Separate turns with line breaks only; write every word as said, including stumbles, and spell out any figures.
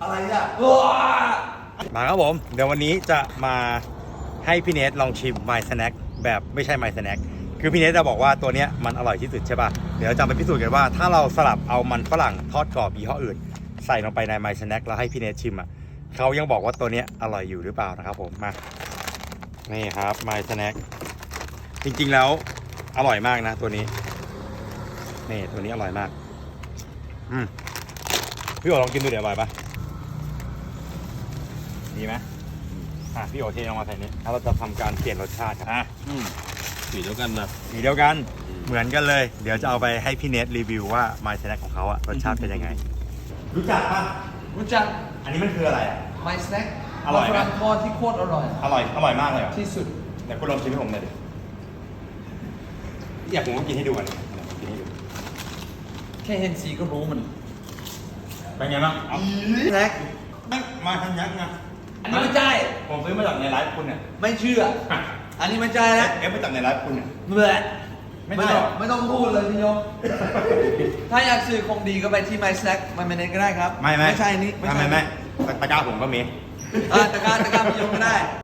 อะไรอ่ะ
มาครับผมเดี๋ยววันนี้จะมาให้พี่เนทลองชิม My Snack แบบไม่ใช่ My Snack คือพี่เนทจะบอกว่าตัวเนี้ยมันอร่อยที่สุดใช่ป่ะเดี๋ยวจะไปพิสูจน์กันว่าถ้าเราสลับเอามันฝรั่งทอดกรอบยี่ห้ออื่นใส่ลงไปใน My Snack แล้วให้พี่เนทชิมอ่ะเขายังบอกว่าตัวเนี้ยอร่อยอยู่หรือเปล่านะครับผมมานี่ครับ My Snack จริงๆแล้วอร่อยมากนะตัวนี้นี่ตัวนี้อร่อยมากอืมพี่โอลองกินดูเดี๋ยวอร่อยปะดีไหมอ่ะพี่โอเทลงมาใส่นี้แล้วเราจะทำการเปลี่ยนรสชาติครับอ่ะ
อืมสีเดียวกันนะ
สีเดียวกันเหมือนกันเลยเดี๋ยวจะเอาไปให้พี่เนทรีวิวว่า My Snack ของเขาอะรสชาติเป็นยังไงรู้จักปะ
รู้จัก
อันนี้มันคืออะไรอะ
My Snack
อร่อยไหม
ฝรั่งทอดที่โคตรอร่อย
อร่อยอร่อยมากเลยเหรอ
ที่สุด
เดี๋ยวคุณลองชิมให้ผมหน่อยดิอยากผมก็กินให้ดูกันกินให้ดู
แค่เห็นสีก็รู้มัน
เป็นไงบ้างเอา
แน็ก
ไม่มาทันยักษ์นะ
อันนี้ไม่ใช่
ผมซื้อมาจากในไลฟ์คุณเนี่ย
ไม่เชื่อ อันนี้ไม่ใช่
เอ
แล้ว
ฟเอฟมาจากในไลฟ์คุณเนี่ย
เมื่อ
ไม่
ไม่
ใช่
ต้
เห
อ
รง อ
ไม่ต้องพูดเลยพี่โยม ถ้าอยากซื้อของดีก็ไปที่ My Snack มันไม่เน้นก็ได้ครับ
ไม่ไม่
ไม่ใช่อันนี้
ไม่ไม่ไม่ตะกร้าผมก็มี
อ่าตะกร้าตะกร้าพี่โยมก็ได้